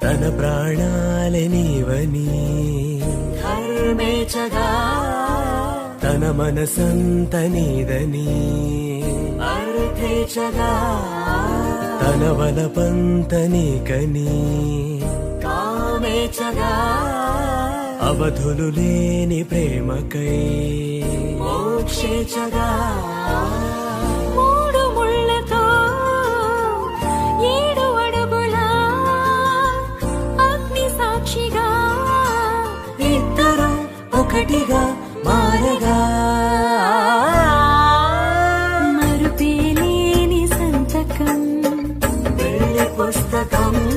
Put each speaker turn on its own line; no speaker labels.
తన ప్రాణాలే నీవని
ధర్మేచగా
తన మనసంత నీదని
అర్థేచగా
తన వలపంత నీకని
కామేచగా
అవధులు లేని ప్రేమకై
మోక్షేచగా
మూడు ముళ్ళతో 7 అడుగుల అగ్ని సాక్షిగా
ఇద్దరు ఒకటిగా మారగా
మరుపేలేని సంతకం
పెళ్లి పుస్తకం